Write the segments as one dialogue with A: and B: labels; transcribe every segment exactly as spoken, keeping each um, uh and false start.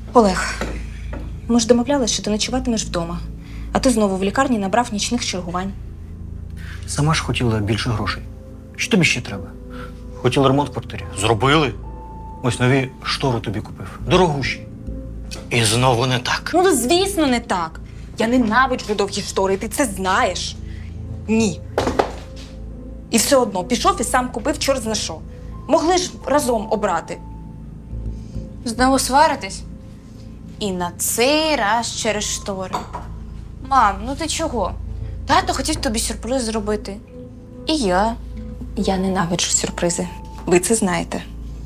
A: Олег, ми ж домовлялися, що ти ночуватимеш вдома, а ти знову в лікарні набрав нічних чергувань.
B: Сама ж хотіла більше грошей. Що тобі ще треба? Хотіла ремонт в квартирі. Зробили. Ось нові штори тобі купив. Дорогущі. І знову не так.
A: Ну, звісно, не так. Я ненавиджу довгі штори, і ти це знаєш. Ні. І все одно пішов і сам купив чорт зна що. Могли ж разом обрати.
C: Знову сваритись? І на цей раз через штори. Мам, ну ти чого? Тато хотів тобі сюрприз зробити. І я.
A: Я ненавиджу сюрпризи. Ви це знаєте.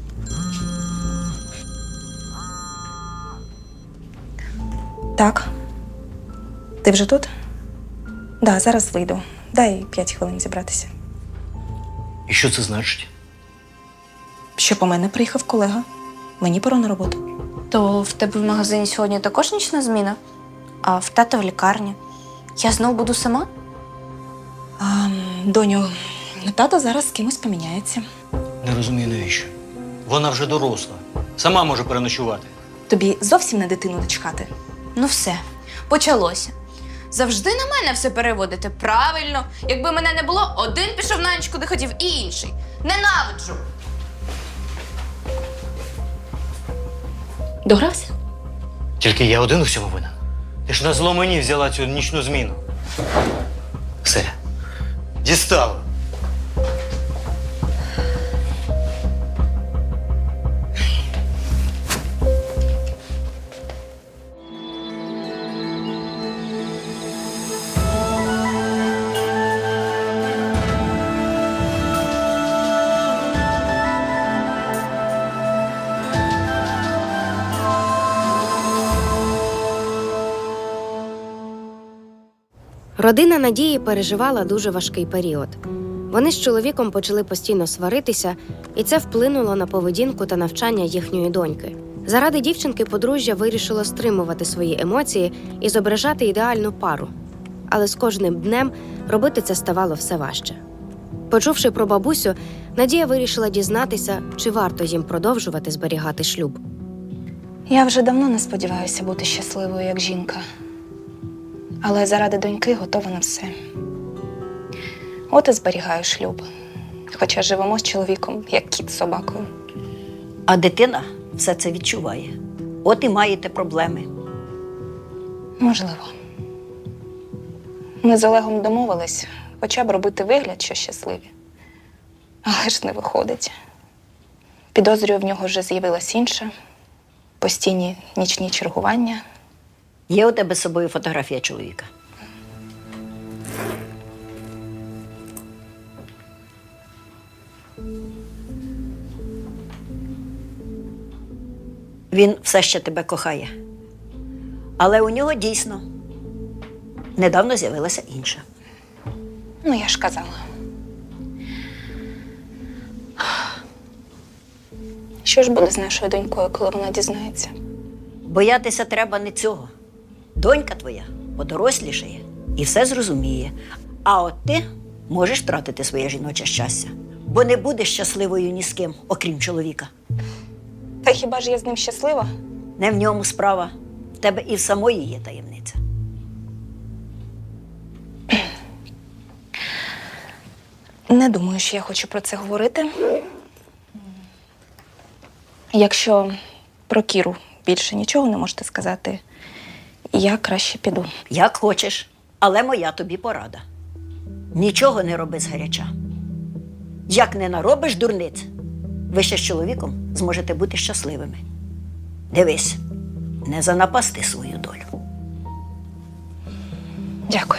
A: Так. Ти вже тут? Да, зараз вийду. Дай п'ять хвилин зібратися.
B: І що це значить?
A: Що по мене приїхав колега. Мені пора на роботу.
C: То в тебе в магазині сьогодні також нічна зміна? А в тата в лікарні? Я знов буду сама?
A: А, доню, тато зараз з кимось поміняється.
B: Не розумію, навіщо. Вона вже доросла. Сама може переночувати.
A: Тобі зовсім на дитину дочекати?
C: Ну все, почалося. Завжди на мене все переводите. Правильно. Якби мене не було, один пішов на ніч, куди хотів, і інший. Ненавиджу.
A: Догрався?
B: Тільки я один у всьому винен. Ти ж на зло мені взяла цю нічну зміну. Все. Дістала.
D: Родина Надії переживала дуже важкий період. Вони з чоловіком почали постійно сваритися, і це вплинуло на поведінку та навчання їхньої доньки. Заради дівчинки подружжя вирішило стримувати свої емоції і зображати ідеальну пару. Але з кожним днем робити це ставало все важче. Почувши про бабусю, Надія вирішила дізнатися, чи варто їм продовжувати зберігати шлюб.
A: Я вже давно не сподіваюся бути щасливою, як жінка. Але заради доньки готова на все. От і зберігаю шлюб. Хоча живемо з чоловіком, як кіт з собакою.
E: А дитина все це відчуває. От і маєте проблеми.
A: Можливо. Ми з Олегом домовились хоча б робити вигляд, що щасливі. Але ж не виходить. Підозрюю, в нього вже з'явилась інша. Постійні нічні чергування.
E: Є у тебе з собою фотографія чоловіка? Він все ще тебе кохає. Але у нього дійсно недавно з'явилася інша.
A: Ну, я ж казала. Що ж буде з нашою донькою, коли вона дізнається?
E: Боятися треба не цього. Донька твоя подорослішає і все зрозуміє. А от ти можеш втратити своє жіноче щастя, бо не будеш щасливою ні з ким, окрім чоловіка.
A: Та хіба ж я з ним щаслива?
E: Не в ньому справа. В тебе і в самої є таємниця.
A: Не думаю, що я хочу про це говорити. Якщо про Кіру більше нічого не можете сказати, я краще піду.
E: Як хочеш, але моя тобі порада. Нічого не роби згаряча. Як не наробиш дурниць, ви ще з чоловіком зможете бути щасливими. Дивись, не занапасти свою долю.
A: Дякую.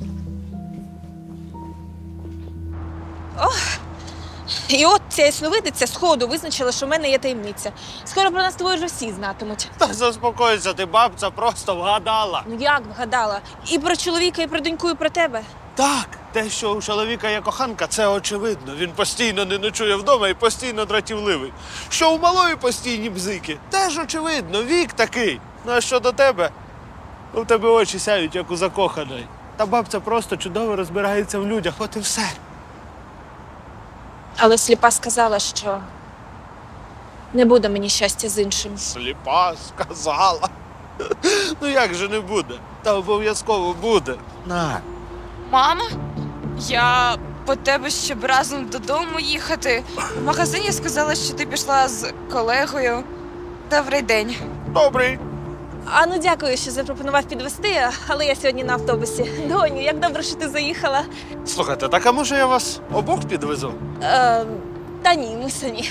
F: І от ця ясновидиця сходу визначила, що в мене є таємниця. Скоро про нас з тобою вже всі знатимуть.
G: Та заспокойся, ти, бабця, просто вгадала.
F: Ну як вгадала? І про чоловіка, і про доньку, і про тебе.
G: Так, те, що у чоловіка є коханка, це очевидно. Він постійно не ночує вдома і постійно дратівливий. Що у малої постійні бзики, теж очевидно, вік такий. Ну а що до тебе? У тебе очі сяють, як у закоханої. Та бабця просто чудово розбирається в людях, от і все.
F: Але сліпа сказала, що Не буде мені щастя з іншим.
G: Сліпа сказала. Ну як же не буде? Та обов'язково буде. На.
C: Мама, я по тебе щоб разом додому їхати. В магазині сказала, що ти пішла з колегою. Добрий день.
G: Добрий.
F: А ну дякую, що запропонував підвести, але я сьогодні на автобусі. Доню, як добре, що ти заїхала.
G: Слухайте, так а може я вас обох підвезу?
F: Е, та ні, ми самі.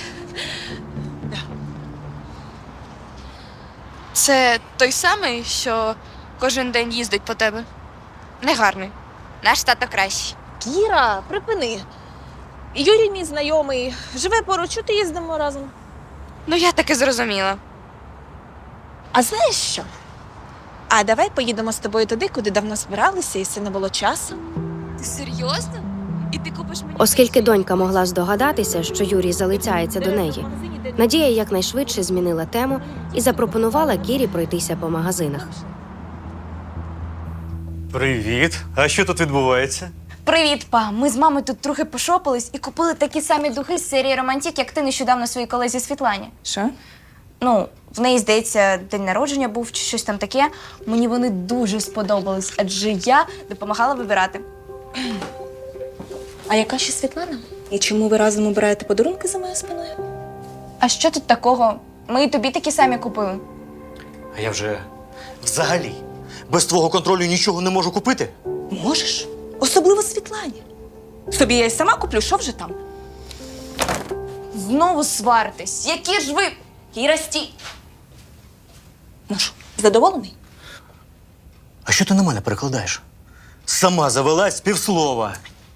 C: Це той самий, що кожен день їздить по тебе? Негарний. Наш тато кращий.
F: Кіра, припини. Юрій мій знайомий, живе поруч, от і їздимо разом.
C: Ну, я таки зрозуміла.
F: А знаєш що? А давай поїдемо з тобою туди, куди давно збиралися, і все не було часу.
C: Ти серйозно? І ти купиш мені...
D: Оскільки донька могла здогадатися, що Юрій залицяється до неї, Надія якнайшвидше змінила тему і запропонувала Кірі пройтися по магазинах.
B: Привіт. А що тут відбувається?
C: Привіт, па. Ми з мамою тут трохи пошопились і купили такі самі духи з серії «Романтік», як ти нещодавно своїй колезі Світлані.
A: Що?
C: Ну, в неї, здається, день народження був чи щось там таке. Мені вони дуже сподобались, адже я допомагала вибирати.
F: А яка ще Світлана? І чому ви разом обираєте подарунки за моєю спиною?
C: А що тут такого? Ми і тобі такі самі купили.
B: А я вже взагалі без твого контролю нічого не можу купити.
F: Можеш. Особливо Світлані. Собі я й сама куплю, що вже там?
C: Знову сваритесь. Які ж ви... Кіра, стій!
F: Ну що, задоволений?
B: А що ти на мене перекладаєш? Сама завелась з півслова.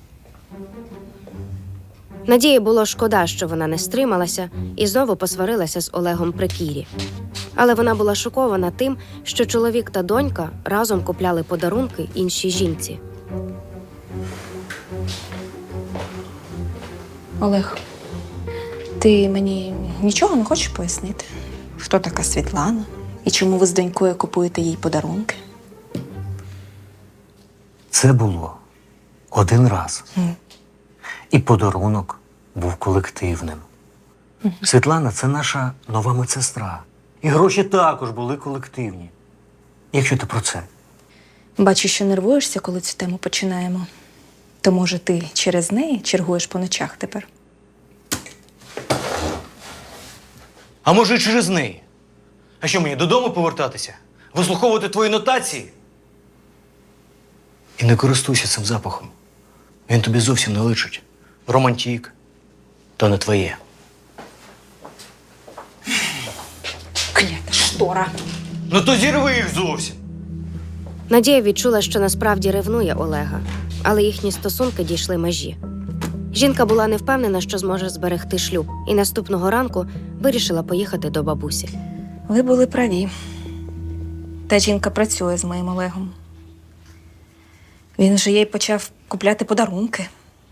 D: Надії було шкода, що вона не стрималася і знову посварилася з Олегом при Кірі. Але вона була шокована тим, що чоловік та донька разом купляли подарунки іншій жінці.
F: Олег, ти мені нічого не хочеш пояснити? Хто така Світлана? І чому ви з донькою купуєте їй подарунки?
B: Це було один раз. І подарунок був колективним. Світлана – це наша нова медсестра. І гроші також були колективні. Якщо ти про це.
F: Бачу, що нервуєшся, коли цю тему починаємо. То, може, ти через неї чергуєш по ночах тепер?
B: А може, і через неї? А що, мені додому повертатися? Вислуховувати твої нотації? І не користуйся цим запахом. Він тобі зовсім не личить. Романтік. То не твоє.
F: Клята штора.
B: Ну то зірви їх зовсім.
D: Надія відчула, що насправді ревнує Олега, але їхні стосунки дійшли межі. Жінка була не впевнена, що зможе зберегти шлюб, і наступного ранку вирішила поїхати до бабусі.
F: Ви були праві. Та жінка працює з моїм Олегом. Він вже їй почав купляти подарунки.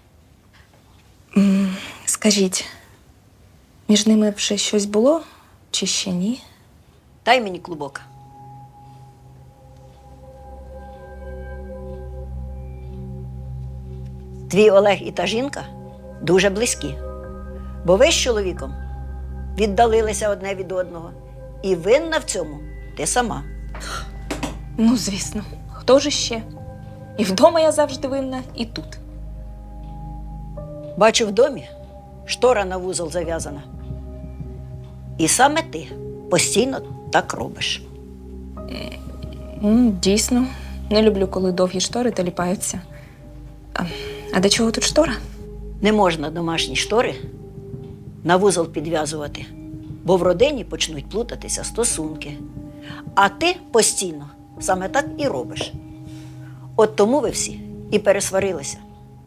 F: М, Скажіть, між ними вже щось було чи ще ні?
E: Дай мені клубок. Твій Олег і та жінка дуже близькі. Бо ви з чоловіком віддалилися одне від одного. І винна в цьому ти сама.
F: Ну, звісно. Хто ж ще? І вдома я завжди винна, і тут.
E: Бачу в домі, штора на вузол зав'язана. І саме ти постійно так робиш.
F: М, Дійсно, не люблю, коли довгі штори таліпаються. А, а до чого тут штора?
E: Не можна домашні штори на вузол підв'язувати, бо в родині почнуть плутатися стосунки. А ти постійно саме так і робиш. От тому ви всі і пересварилися.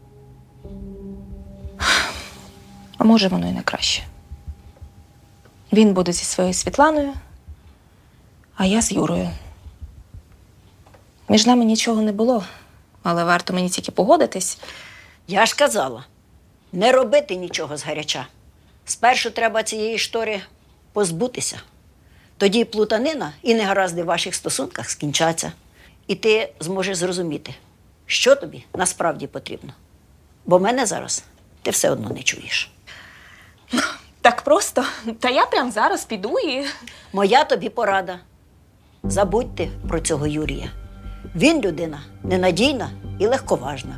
F: А може, воно і не краще. Він буде зі своєю Світланою, а я з Юрою. Між нами нічого не було, але варто мені тільки погодитись.
E: Я ж казала, не робити нічого згаряча. Спершу треба цієї штори позбутися. Тоді плутанина і негаразди в ваших стосунках скінчаться. І ти зможеш зрозуміти, що тобі насправді потрібно. Бо мене зараз ти все одно не чуєш.
F: Так просто. Та я прямо зараз піду і.
E: Моя тобі порада. Забудьте про цього Юрія. Він людина ненадійна і легковажна.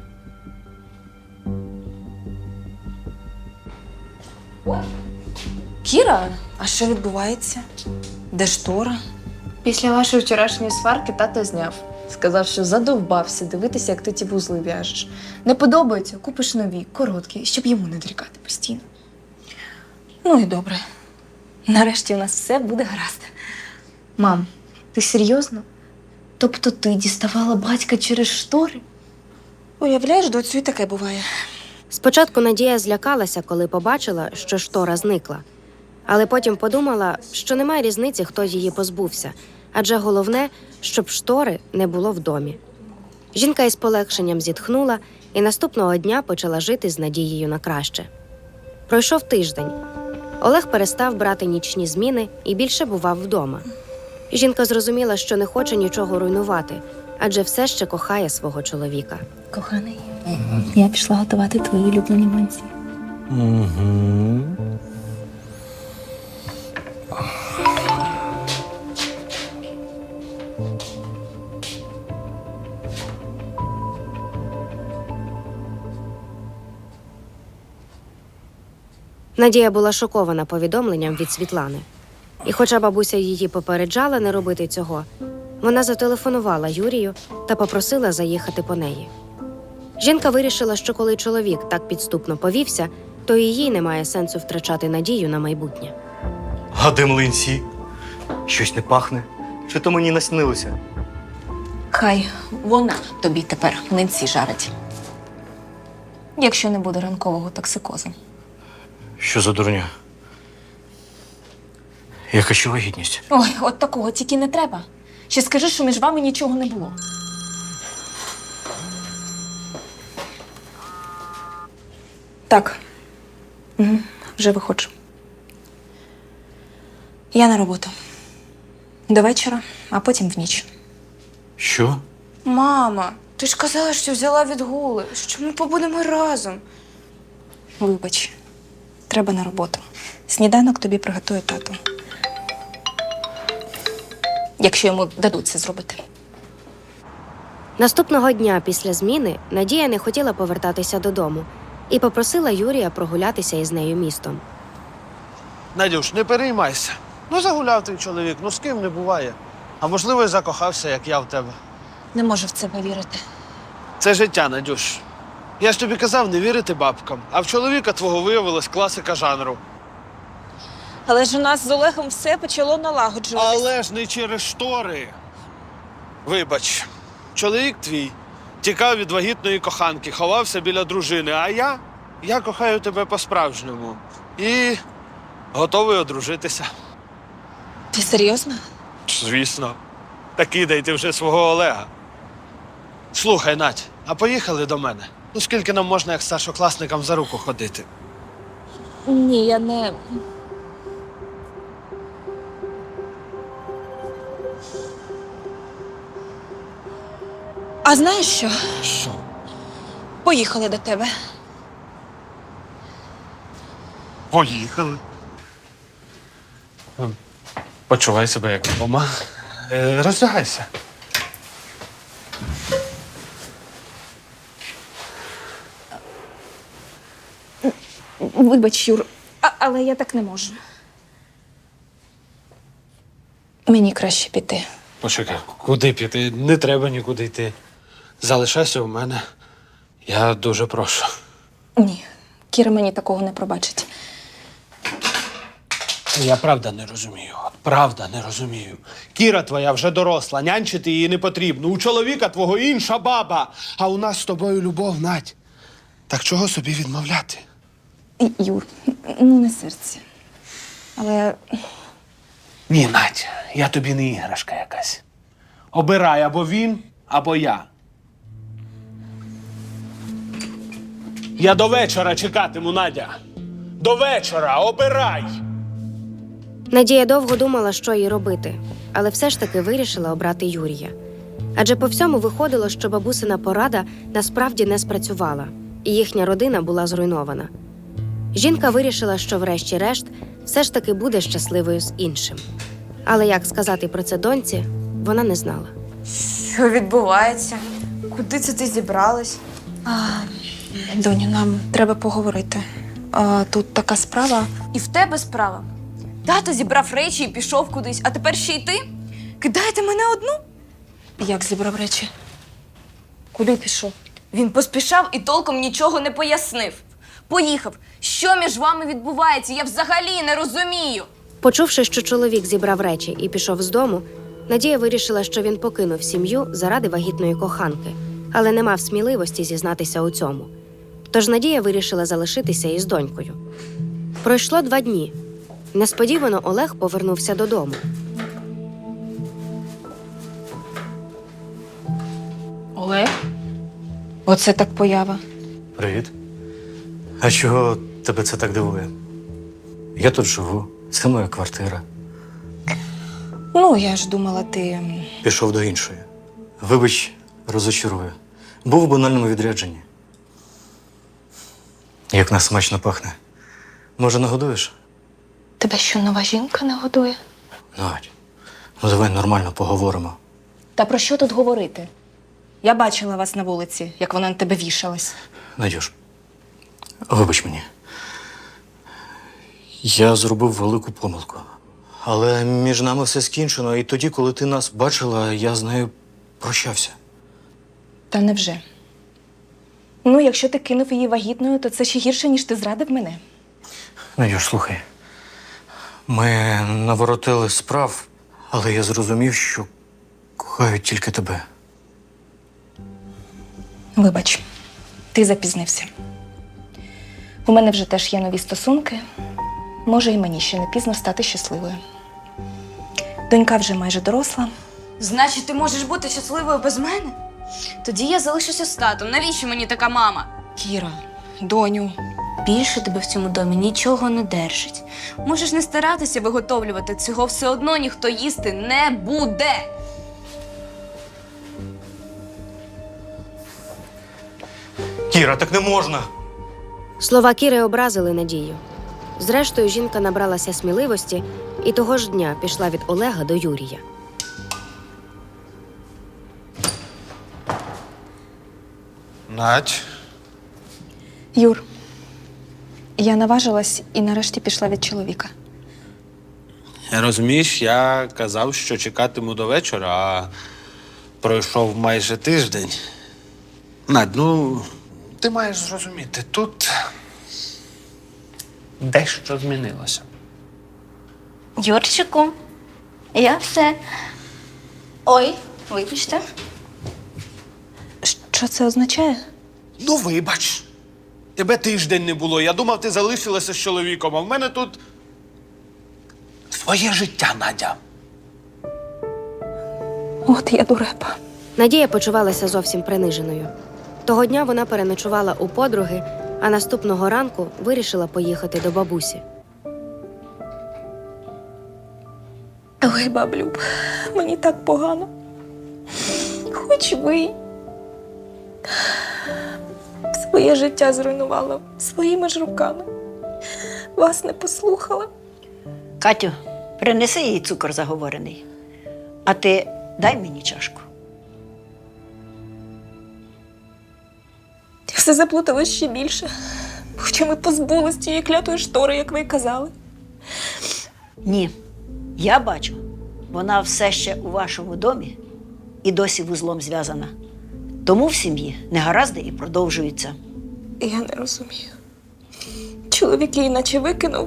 F: Кіра, а що відбувається? Де штора?
C: Після вашої вчорашньої сварки тато зняв. Сказав, що задовбався дивитися, як ти ті вузли в'яжеш. Не подобається, купиш нові, короткі, щоб йому не дрікати постійно.
F: Ну і добре. Нарешті у нас все буде гаразд.
C: Мам, ти серйозно? Тобто ти діставала батька через штори?
F: Уявляєш, доцю, і таке буває.
D: Спочатку Надія злякалася, коли побачила, що штора зникла. Але потім подумала, що немає різниці, хто її позбувся, адже головне, щоб штори не було в домі. Жінка із полегшенням зітхнула і наступного дня почала жити з надією на краще. Пройшов тиждень. Олег перестав брати нічні зміни і більше бував вдома. Жінка зрозуміла, що не хоче нічого руйнувати, адже все ще кохає свого чоловіка.
F: Коханий, я пішла готувати твої улюблені манці.
B: Угу.
D: Надія була шокована повідомленням від Світлани. І хоча бабуся її попереджала не робити цього, вона зателефонувала Юрію та попросила заїхати по неї. Жінка вирішила, що коли чоловік так підступно повівся, то і їй немає сенсу втрачати надію на майбутнє.
B: А де млинці? Щось не пахне? Чи то мені наснилося?
F: Хай вона тобі тепер млинці жарить. Якщо не буде ранкового токсикозу.
B: Що за дурня? Яка ще вагітність?
F: Ой, от такого тільки не треба. Ще скажи, що між вами нічого не було. Так. Угу. Вже виходжу. Я на роботу. До вечора, а потім в ніч.
B: Що?
C: Мама, ти ж казала, що взяла відгули, що ми побудемо разом.
F: Вибач, треба на роботу. Сніданок тобі приготує тато. Якщо йому дадуть це зробити.
D: Наступного дня після зміни Надія не хотіла повертатися додому і попросила Юрія прогулятися із нею містом.
G: Надюш, не переймайся. Ну, загуляв твій чоловік, ну з ким не буває. А можливо, і закохався, як я в тебе.
F: Не можу в це повірити.
G: Це життя, Надюш. Я ж тобі казав не вірити бабкам, а в чоловіка твого виявилась класика жанру.
F: Але ж у нас з Олегом все почало налагоджуватися.
G: Але ж не через штори. Вибач, чоловік твій тікав від вагітної коханки, ховався біля дружини, а я, я кохаю тебе по-справжньому. І готовий одружитися.
F: Ти серйозно?
G: Звісно. Та кидай ти вже свого Олега. Слухай, Надь, а поїхали до мене? Ну скільки нам можна, як старшокласникам, за руку ходити?
F: Ні, я не. А знаєш що?
G: Що?
F: Поїхали до тебе.
G: Поїхали. Почувай себе як вдома. Е, роздягайся.
F: Вибач, Юр, а, але я так не можу. Мені краще піти.
G: Почекай, куди піти? Не треба нікуди йти. Залишайся у мене. Я дуже прошу.
F: Ні, Кіра мені такого не пробачить.
G: Я правда не розумію. От правда не розумію. Кіра твоя вже доросла, нянчити її не потрібно. У чоловіка твого інша баба, а у нас з тобою любов, Надь. Так чого собі відмовляти?
F: Юр, ну не серце. Але
G: Ні, Надь, я тобі не іграшка якась. Обирай або він, або я. Я до вечора чекатиму, Надя. До вечора, обирай!
D: Надія довго думала, що їй робити, але все ж таки вирішила обрати Юрія. Адже по всьому виходило, що бабусина порада насправді не спрацювала, і їхня родина була зруйнована. Жінка вирішила, що врешті-решт все ж таки буде щасливою з іншим. Але як сказати про це доньці, вона не знала.
C: Що відбувається? Куди це ти зібралась?
F: Доню, нам треба поговорити. А, тут така справа.
C: І в тебе справа. Тато зібрав речі і пішов кудись, а тепер ще й ти? Кидаєте мене одну?
F: Як зібрав речі? Куди пішов?
C: Він поспішав і толком нічого не пояснив. Поїхав. Що між вами відбувається? Я взагалі не розумію.
D: Почувши, що чоловік зібрав речі і пішов з дому, Надія вирішила, що він покинув сім'ю заради вагітної коханки, але не мав сміливості зізнатися у цьому. Тож Надія вирішила залишитися із донькою. Пройшло два дні. Несподівано Олег повернувся додому.
F: Олег? Оце так поява.
B: Привіт. А чого тебе це так дивує? Я тут живу, це моя квартира.
F: Ну, я ж думала, ти.
B: Пішов до іншої. Вибач, розочарую. Був у банальному відрядженні. Як нас смачно пахне. Може, нагодуєш?
A: Тебе що, нова жінка не годує?
B: Надь, ну давай нормально поговоримо.
F: Та про що тут говорити? Я бачила вас на вулиці, як вона на тебе вішалась.
B: Надюш, вибач мені. Я зробив велику помилку. Але між нами все скінчено, і тоді, коли ти нас бачила, я з нею прощався.
F: Та невже? Ну, якщо ти кинув її вагітною, то це ще гірше, ніж ти зрадив мене.
B: Надюш, слухай. Ми наворотили справ, але я зрозумів, що кохаю тільки тебе.
F: Вибач, ти запізнився. У мене вже теж є нові стосунки. Може, і мені ще не пізно стати щасливою. Донька вже майже доросла.
C: Значить, ти можеш бути щасливою без мене? Тоді я залишуся з татом. Навіщо мені така мама?
F: Кіра, доню.
C: Більше тебе в цьому домі нічого не держить. Можеш не старатися виготовлювати, цього все одно ніхто їсти не буде.
B: Кіра, так не можна!
D: Слова Кіри образили Надію. Зрештою, жінка набралася сміливості і того ж дня пішла від Олега до Юрія.
G: Надь.
F: Юр, я наважилась і нарешті пішла від чоловіка.
G: Розумієш, я казав, що чекатиму до вечора, а пройшов майже тиждень. Надь, ну, ти маєш зрозуміти, тут дещо змінилося.
C: Юрчику, я все. Ой, вибачте.
F: Що це означає?
G: Ну, вибач. Тебе тиждень не було. Я думав, ти залишилася з чоловіком, а в мене тут своє життя, Надя.
F: От я дурепа.
D: Надія почувалася зовсім приниженою. Того дня вона переночувала у подруги, а наступного ранку вирішила поїхати до бабусі.
F: Ой, баблюб, мені так погано. Хоч ви своє життя зруйнувала своїми ж руками. Вас не послухала.
E: Катю, принеси їй цукор заговорений. А ти дай мені чашку.
F: І все заплуталось ще більше. Хоча ми позбулись тієї клятої штори, як ви й казали.
E: Ні, я бачу, вона все ще у вашому домі і досі вузлом зв'язана. Тому в сім'ї негаразди і продовжуються.
F: Я не розумію. Чоловік її наче викинув.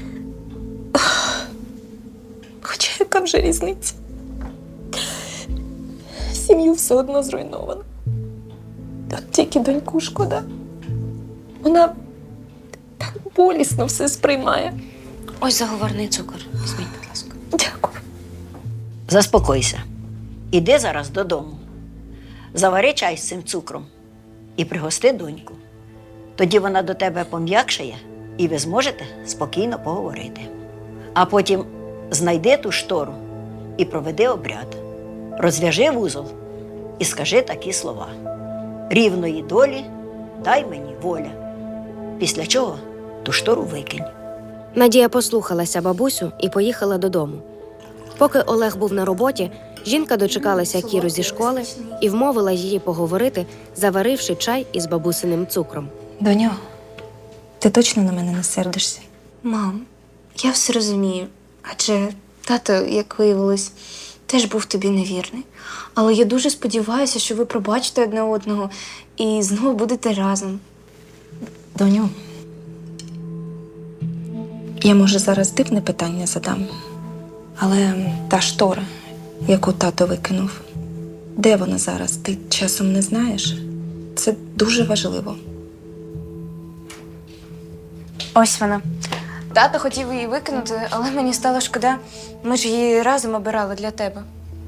F: Хоча яка вже різниця? Сім'ю все одно зруйновано. От тільки доньку шкода. Вона так болісно все сприймає.
D: Ось заговорний цукор. Візьміть, будь ласка.
F: Дякую.
E: Заспокойся. Іди зараз додому. Завари чай з цим цукром і пригости доньку. Тоді вона до тебе пом'якшає, і ви зможете спокійно поговорити. А потім знайди ту штору і проведи обряд. Розв'яжи вузол і скажи такі слова: рівної долі дай мені воля. Після чого ту штору викинь.
D: Надія послухалася бабусю і поїхала додому. Поки Олег був на роботі, жінка дочекалася Кіру зі школи і вмовила її поговорити, заваривши чай із бабусиним цукром.
F: Доню, ти точно на мене не сердишся?
C: Мам, я все розумію. Адже тато, як виявилось, теж був тобі невірний. Але я дуже сподіваюся, що ви пробачите одне одного і знову будете разом.
F: Доню, я, може, зараз дивне питання задам, але та штора, яку тато викинув, де вона зараз? Ти часом не знаєш? Це дуже важливо.
C: Ось вона. Тато хотів її викинути, але мені стало шкода. Ми ж її разом обирали для тебе.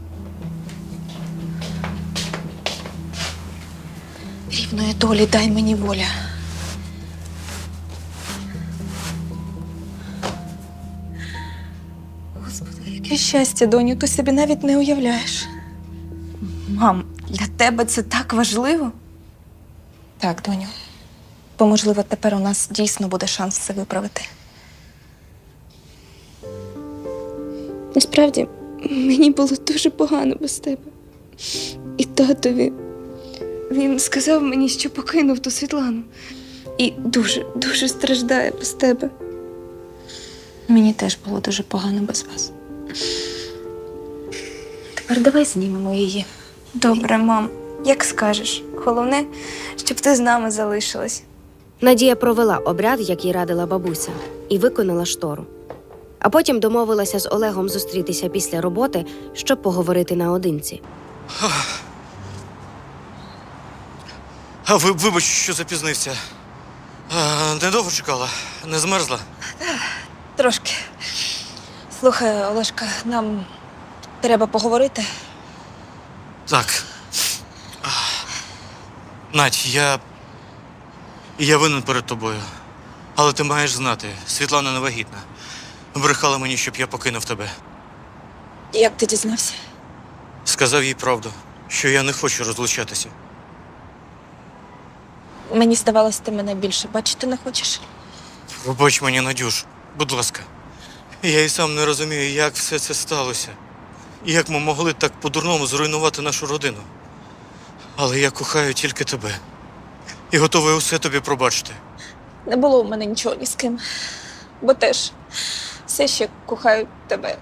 F: Рівної долі дай мені воля. Господи, яке щастя, доню, ти собі навіть не уявляєш.
C: Мам, для тебе це так важливо?
F: Так, доню. Бо, можливо, тепер у нас дійсно буде шанс це виправити.
H: Насправді, мені було дуже погано без тебе. І татові. Він сказав мені, що покинув ту Світлану. І дуже, дуже страждає без тебе.
F: Мені теж було дуже погано без вас. Тепер давай знімемо її.
C: Добре, мам, як скажеш. Головне, щоб ти з нами залишилась.
D: Надія провела обряд, який радила бабуся, і виконала штору. А потім домовилася з Олегом зустрітися після роботи, щоб поговорити наодинці.
I: А ви, вибач, що запізнився. А, недовго чекала? Не змерзла?
F: Трошки. Слухай, Олешка, нам треба поговорити.
I: Так. А, Надь, я. Я винен перед тобою. Але ти маєш знати, Світлана не вагітна. Брехала мені, щоб я покинув тебе.
F: Як ти дізнався?
I: Сказав їй правду, що я не хочу розлучатися.
F: Мені здавалось, ти мене більше бачити не хочеш.
I: Пробач мені, Надюш, будь ласка. Я і сам не розумію, як все це сталося. І як ми могли так по-дурному зруйнувати нашу родину. Але я кохаю тільки тебе. І готовий усе тобі пробачити.
F: Не було у мене нічого ні з ким. Бо теж все ще кохаю тебе.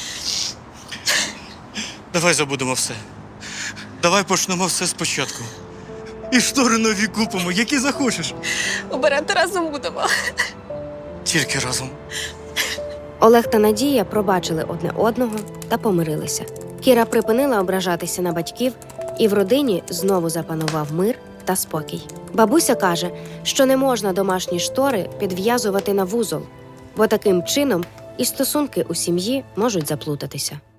I: Давай забудемо все. Давай почнемо все спочатку. І штори нові купимо, які захочеш.
F: Обирати разом будемо.
I: Тільки разом.
D: Олег та Надія пробачили одне одного та помирилися. Кіра припинила ображатися на батьків, і в родині знову запанував мир та спокій. Бабуся каже, що не можна домашні штори підв'язувати на вузол, бо таким чином і стосунки у сім'ї можуть заплутатися.